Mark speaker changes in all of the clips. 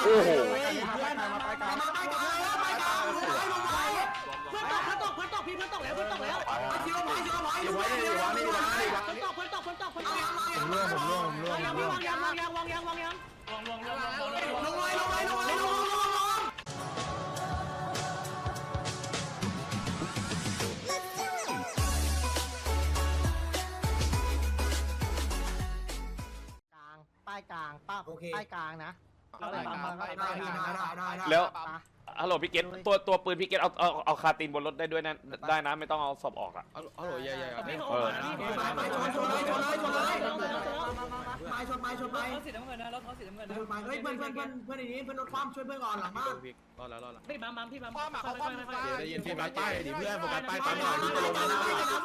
Speaker 1: โอ้โห
Speaker 2: เพื่อนตกพี่เพื่อนตกแล้วผมร่วง
Speaker 3: ป้ายกลางป้ายกลางนะ
Speaker 1: แล้วฮัลโหลพี่เกตตัวปืนพี่เกตเอาคาตีนบนรถได้ด้วยนะได้นะไม่ต้องเอาศพออกอ่ะ
Speaker 4: ฮัลโหลใหญ่ๆ
Speaker 2: พี่ชนไปเขาสีน้ำเงินนะรถเขาสีน้ำเงินนะ
Speaker 5: เฮ้ยเพื่อนในนี้เพื่อนรถคว่ำช่วยเพื่อนก่อนหลังบ้าน
Speaker 4: รอแล้ว
Speaker 2: พี่บัมพี่บัม
Speaker 4: จะยินโฟกัสป้ายดิเพื่อนโฟกัสป้ายปั๊มหน่อยพี่จะลงมาหน้า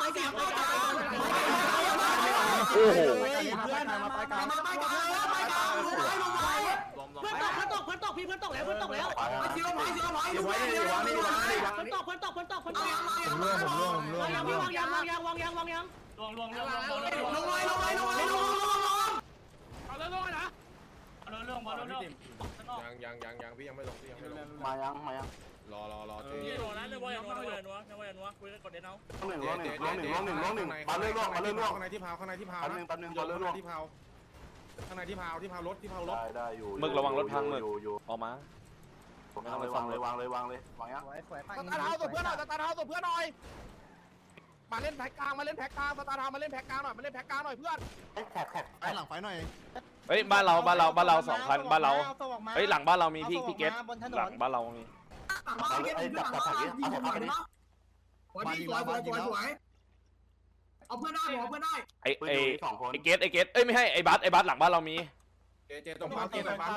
Speaker 1: โอ้โห
Speaker 5: เพื่อนมาไปกลาง
Speaker 2: เพื่อนตกพี่เพื่อนตกแล้วเพื่อนตกแล้วเพื่อนตกวางยังวางยังวางยังลงเอาเรื่องนะเอาเรื่อง
Speaker 4: ยังพี่ยังไม่ลง
Speaker 3: มายัง
Speaker 4: รอเจ๊
Speaker 2: นี่โดนนะนัวคุยกันก่อนเดี๋ยวเอา
Speaker 3: 1มาเรื่อยๆ
Speaker 4: ข้างในที่พาวข้างในที่พาวนะข้างในที่พาวรถ
Speaker 3: ได้อยู่
Speaker 1: มึกระวังรถพังมึกออกมา
Speaker 3: วางเลยวางยัง
Speaker 5: สตาร์ทเท้าตัวเพื่อนหน่อยมาเล่นแพ็กกลางสตาร์ทเท้ามาเล่นแพ็กกลางหน่อยเพื่อน
Speaker 3: แขกไปหลังไฟหน่อย
Speaker 1: เฮ้ยบ้านเรา2 คันบ้านเราเฮ้ยหลังบ้านเรามีพี่เกตหลังบ้านเรามี
Speaker 5: เอาเพื่อนได้
Speaker 1: ไอเกตเอ้ยไม่ให้ไอบัสหลังบ้านเรามี
Speaker 4: เจตรงปั๊ม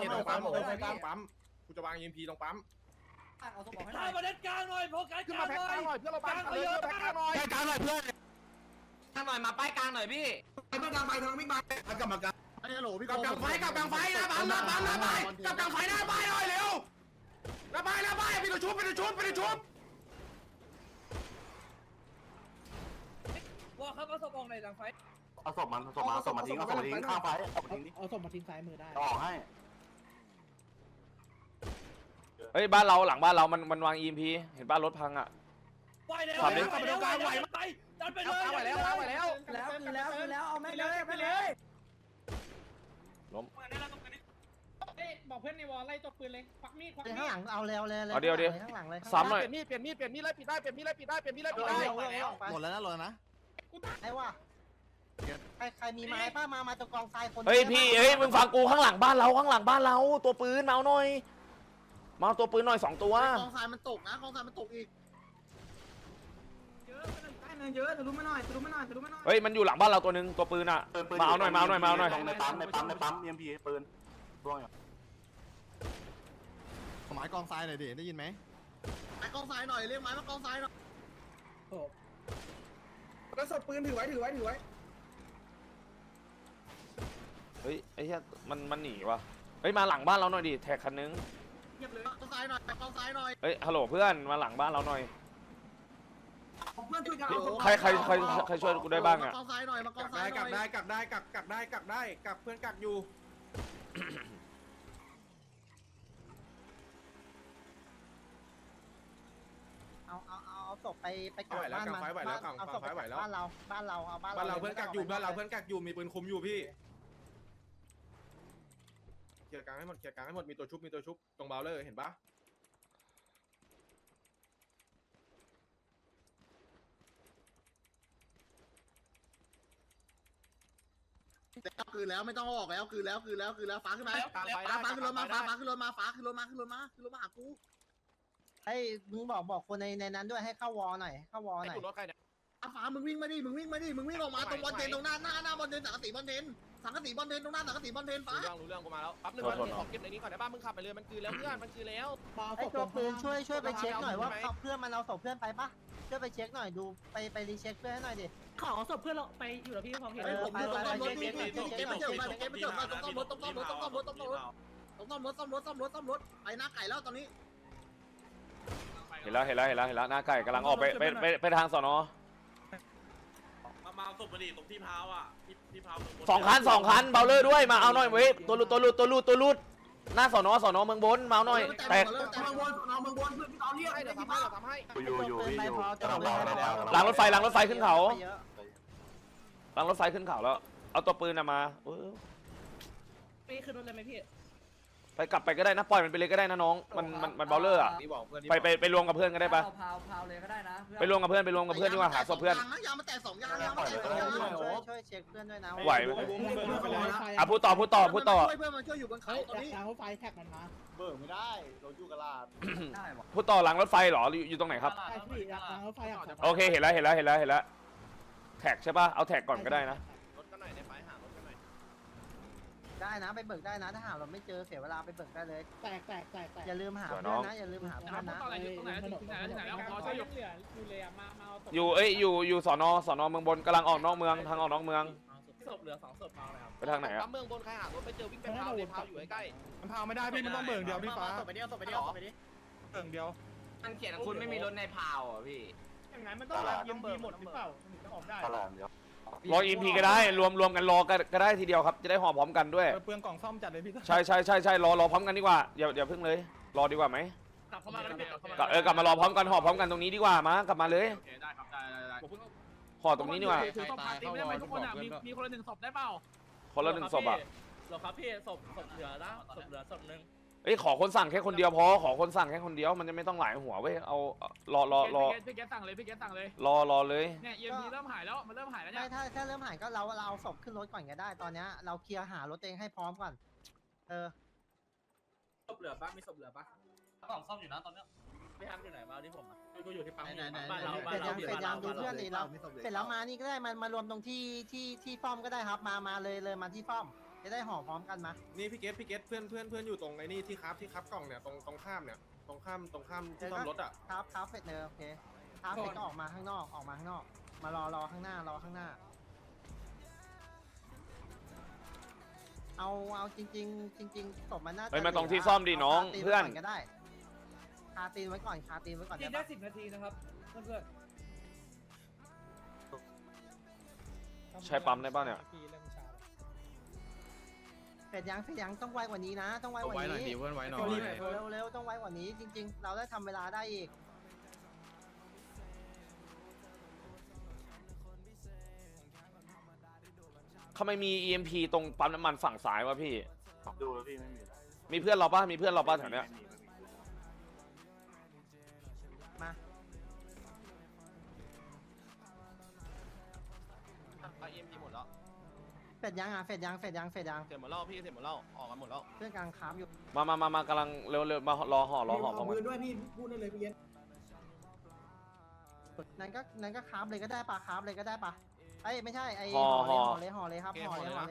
Speaker 4: กูจะวางยิมพีตรงปั๊ม
Speaker 2: ถ้ามาเล่นกลางหน่อยโฟกัส
Speaker 5: ขึ้น
Speaker 2: กลา
Speaker 5: มาง แพ็ก
Speaker 2: หน่อย
Speaker 5: กลางหน่อยเพื่อนเราบังเยอะแพ็กกลางหน่อย
Speaker 3: กลางหน่อยเพื่อน
Speaker 6: กลางหน่อยมาป้ายกลางหน่อยพี่
Speaker 5: เพื่อนกลางไปทางวิ่งไปกลับมากลาง
Speaker 3: ฮัลโหลพี่
Speaker 5: กลางไฟนะปั๊มกลางไฟหน้าป้ายหน่อยเร็วหน้าป้ายไปชุบ
Speaker 2: ว่าครับเอาศพออกในหลังไฟ
Speaker 3: เอาศพมาทิ้งข้างไฟ
Speaker 2: เอาศพมาทิ้งซ้ายมือได้
Speaker 3: ออกให้
Speaker 1: เฮ้ยบ้านเราหลังบ้านเรามันวาง EMP เห็นบ้านรถพังอ่ะ
Speaker 2: ไปเลยไปดันไปเลย
Speaker 5: ไหวแล้ว
Speaker 2: เอาไม่เลย
Speaker 1: ล้ม
Speaker 2: บอกเพื่อนในวอลไล่ตบปืนเลยควักมีด
Speaker 3: ข้างหลังเอาเร็วข้างหลังเลย
Speaker 1: ซ้ำหน่อย
Speaker 5: เปลี่ยนมีดไล่ปิดได้
Speaker 3: หมดแล้วนะไอ้ว่าใครมีไม้ป้ามาตรงกองทรายคน
Speaker 1: เฮ้ยพี่เฮ้ยมึงฟังกูข้างหลังบ้านเราตัวปืนมาเอาหน่อยมาเอาตัวปืนหน่อย2 ตัว
Speaker 3: กองทรายมันตกนะกองทรายมันตกอีก
Speaker 5: เยอะทะลุมาหน่อย
Speaker 1: เฮ้ยมันอยู่หลังบ้านเราตัวนึงตัวปืนอ่ะมาเอาหน่อย
Speaker 3: ในปั๊มเอ็มพีปืนร่วงอยู่หมายกองทรายหน่อยดิได้ยินไหมไม้กองทรายหน่อยเรียกไม้มากองทรายหน่อย
Speaker 5: แล้วสดปืนถือไว้
Speaker 1: เฮ้ยไอ้เหี้ยมันหนีว่ะเฮ้ยมาหลังบ้านเราหน่อยดิแท็กคันนึง
Speaker 5: เงียบเลยกองทรายหน่อย
Speaker 1: เฮ้ยฮัลโหลเพื่อนมาหลังบ้านเราหน่อย
Speaker 5: เพื่อนช่วยกัน
Speaker 1: ใครช่วยกูได้บ้างอ่ะ
Speaker 3: กองทรายหน่อยมากองทรายหน่อย
Speaker 4: กลับเพื่อนกักอยู่
Speaker 3: เอาศพไปกลับบ้านมันเอาศพไปบ้านเราเอาบ้านเรา
Speaker 4: เพื่อนกักอยู่มีปืนคุมอยู่พี่เคลียร์กลางให้หมดมีตัวชุบตรงเบลเลอร์เห็นปะ
Speaker 3: คือแล้วไม่ต้องออกแล้วคือแล้วฟ้าขึ้นมาฟ้าขึ้นรถมาหากูให้มึงบอกคนในนั้นด้วยให้เข้าวอหน่อย
Speaker 5: รถใครเนี่ย
Speaker 3: ฟ้ามึงวิ่งมาดิมึงวิ่งออกมาตรงบอลเทนตรงหน้าบอลเทนสังกะสีบอลเทนตรงหน้าสังกะสีบอลเทนฟ้า
Speaker 5: รู้เรื่องกูมาแล้วปั๊บนึงขอเก็บในนี้ก่อนได้ป่ะมึงขับไปเลยมันคือแล้วเพื่อนมันคือแล้ว
Speaker 3: ไอ้ตัวปืนช่วยไปเช็คหน่อยว่าเพื่อนมันเอาศพเพื่อนไปปะช่วยไปเช็คหน่อยดูไปรีเช็คเพื่อนให้หน่อยดิ
Speaker 2: ขอศพเพื่อนเราไปอยู่แล้วพี่พร้อมเห็น
Speaker 3: ผมดูต้องรถเก็บไปเจอมาต้องรถไปหน้าไก่แล้วตอนนี้
Speaker 1: เห็นแล้วหน้าไก่กำลังออกไปทางสน.
Speaker 6: มาศพมาดิตรงที่เท้าอ่ะที่เท้า
Speaker 1: 2 คันเบลเลอร์ด้วยมาเอาหน่อยเว้ยตัวลุดหน้าสอนอเมืองบนเมาหน่อยแตก
Speaker 2: เมืองบนน้องเมืองบนเพื่อนพี่ตอนเรียก
Speaker 5: ให้เดี๋ยวทำให้เดี๋ยวทำให้
Speaker 1: หลังรถไฟขึ้นเขาหลังรถไฟขึ้นเขาแล้วเอาตัวปืนมา
Speaker 2: พี่ขึ้นรถเลยไหมพี่
Speaker 1: ไปกลับไปก็ได้นะปล่อยมันไปเลยก็ได้นะน้องมันเบลเลอร์อะไปรวมกับเพื่อนก็ได้ปะ
Speaker 7: พาวเลยก็ได้นะ
Speaker 1: ไปรวมกับเพื่อนดีกว่าหาศพเพื่อน
Speaker 3: ยางมาแตก2 ยางยางมาแตก2 ยางช่วยเช็คเพื่อนด้วยนะ
Speaker 1: ไหวไหมอ่ะพูดต่อ
Speaker 3: เพื่อนมันช่วยอยู่บนเขาตอนนี้
Speaker 2: ทางรถไฟแท็กมันมา
Speaker 3: เบิกไม่ได้เราอยู่กลาด
Speaker 7: ได้หรอ
Speaker 1: พูดต่อหลังรถไฟเหรออยู่ตรงไหนครับ
Speaker 2: ใช่พี่ทางรถไฟ
Speaker 1: โอเคเห็นแล้วแท็กใช่ปะเอาแท็กก่อนก็ได้นะ
Speaker 5: รถกันหน่อยได้ไหมหารถกันหน่อย
Speaker 3: ได้นะไปเบิกได้นะถ้าหาเราไม่เจอเสียเวลาไปเบิกได้เลย
Speaker 2: แตก
Speaker 3: อย่าลืมหาเพื่อนนะอย่าลืมหาเพื่อนนะ
Speaker 1: อยู่สอนอเมืองบนกำลังออกนอกเมืองทางออกนอกเมือง
Speaker 2: ศพเหลือ2 ศพเมาเลยครับ
Speaker 1: ไปทางไหนอะ
Speaker 5: ปั๊มเมืองบนใครหารถไปเจอวิ่งไปพาวเลยพาวอยู่ใกล้
Speaker 4: มันพาไม่ได้พี่มันต้องเบิ่งเดียวพี่ฟ้า
Speaker 2: ศพไปดิ
Speaker 4: เบิ่งเดียว
Speaker 6: มันเขียนคุณไม่มีรถในพาวอ่ะพี่
Speaker 2: อย่างนั้นมันต้องรับยิมดีหมดหรือเปล่าถึงจะออกได้
Speaker 1: รอEMPก็ได้รวมกันรอก็ได้ทีเดียวครับจะได้ห่อพร้อมกันด้วย
Speaker 4: เปลืองกล่องซ่อมจัดเลยพี่
Speaker 1: ใช่รอพร้อมกันดีกว่าอย่าเพิ่งเลยรอดีกว่าไหม
Speaker 2: กลับเข้ามาแล้วพี่
Speaker 1: กลับมารอพร้อมกันห่อพร้อมกันตรงนี้ดีกว่ามั้งกลับมาเลย
Speaker 6: โอเคได้ครับได้
Speaker 1: ห่อตรงนี้ดีกว่า
Speaker 2: ถือศพพาร์ตี้ไม่ได้ไหมทุกคนอ่ะมีคนละ1 ศพได้เปล่า
Speaker 1: คนละ1 ศพอะ
Speaker 2: หรอครับพี่ศพเหลือนะศพเหลือศพนึง
Speaker 1: เอ้ยขอคนสั่งแค่คนเดียวพอขอคนสั่งแค่คนเดียวมันจะไม่ต้องหลายหัวเว้ยเอารอ
Speaker 2: พี่แกสั่งเลยพี่แกสั่งเลย
Speaker 1: รอเลย
Speaker 2: เนี่ยเอ็มพีเริ่มหายแล้วมันเริ่มหายแล้ว
Speaker 3: ไม่
Speaker 2: เนี่ย
Speaker 3: ถ้าเริ่มหายก็เราเอาศพขึ้นรถก่อนก็ได้ตอนนี้เราเคลียร์หารถเองให้พร้อมก่อนเออ
Speaker 2: ศพเหลือปะมีศพเหลือปะ
Speaker 6: กล่องซ่อมอยู่นะตอนเนี้ย
Speaker 2: พี่ทำอยู่ไหนมาที่ผมอ่ะกูอยู่ที่ปั๊ม
Speaker 3: ไหน
Speaker 2: บ้านเรา
Speaker 3: เสร็จยังดูเพื่อนเลยเราเสร็จแล้วมานี่ก็ได้มารวมตรงที่ฟ้อมก็ได้ครับมาเลยมาที่ฟ้อมจะได้ห่อพร้อมกันมา
Speaker 4: นี่พี่เกตเพื่อนอยู่ตรงไอ้นี่ที่ครับกล่องเนี่ยตรงข้ามเนี่ยตรงข้ามที่ซ่อมรถอ่ะ
Speaker 3: ครับเสร็จเลยโอเคครับเสร็จก็ออกมาข้างนอกมารอข้างหน้าเอาจริงศพมันน่าจะ
Speaker 1: เฮ้ยมาตรงที่ซ่อมดิน้องเพื่อน
Speaker 3: ก็ได้คาตีนไว้ก่อน
Speaker 2: ที
Speaker 3: ได้
Speaker 2: ได้
Speaker 3: ปะ
Speaker 2: 10 นาทีนะครับเพื่อน
Speaker 1: ใช้ปั๊มได้ป่ะเนี่ย
Speaker 3: เสร็จยังต้องไวกว่านี้นะต้องไวกว่า
Speaker 4: ไว้หน่อย
Speaker 3: นี้
Speaker 4: ดิเพื่อนไว้หน่อย
Speaker 3: เร็วต้องไวกว่านี้จริงๆ เราได้ทำเวลาได้อีก
Speaker 1: ทำไมมี EMP ตรงปั๊มน้ำมันฝั่งซ้ายวะพี่
Speaker 8: ดูแล้วพี่ไม่มี
Speaker 1: มีเพื่อนเราป่ะแถวเนี้ย
Speaker 3: มา
Speaker 5: ไปเอ็มพีหมดแล้ว
Speaker 3: เสร็จยังเสร็จยัง
Speaker 5: เสร็จหมดแล้วพี่เสร็จหมดแล้วออกกันหมดแล้ว
Speaker 3: เพื่อนกลางค้ามอยู่
Speaker 1: มากำลังเร็วมารอห่อพร้อมกัน
Speaker 2: ด้วยพี่พูดได้เลยพี่เย็น
Speaker 3: นั้นก็ค้ามเลยก็ได้ปะค้ามเลยก็ได้ปะไอ้ไม่ใช่ไอ้
Speaker 1: ห่อ
Speaker 3: ห่อเลยครับห่อเลย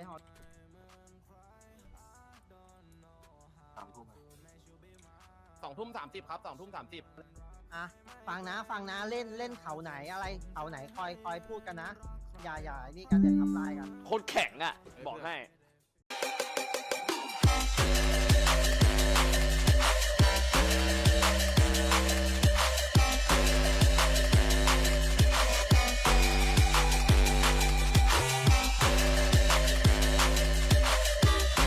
Speaker 8: 3 ทุ่ม
Speaker 5: 2:30ครับ2:30
Speaker 3: อ่ะฟังนะเล่นเขาไหนอะไรเขาไหนคอยพูดกันนะอย่านี่กันอย่าทำลายกัน
Speaker 1: โคตรแข็งอ่ะบอกให้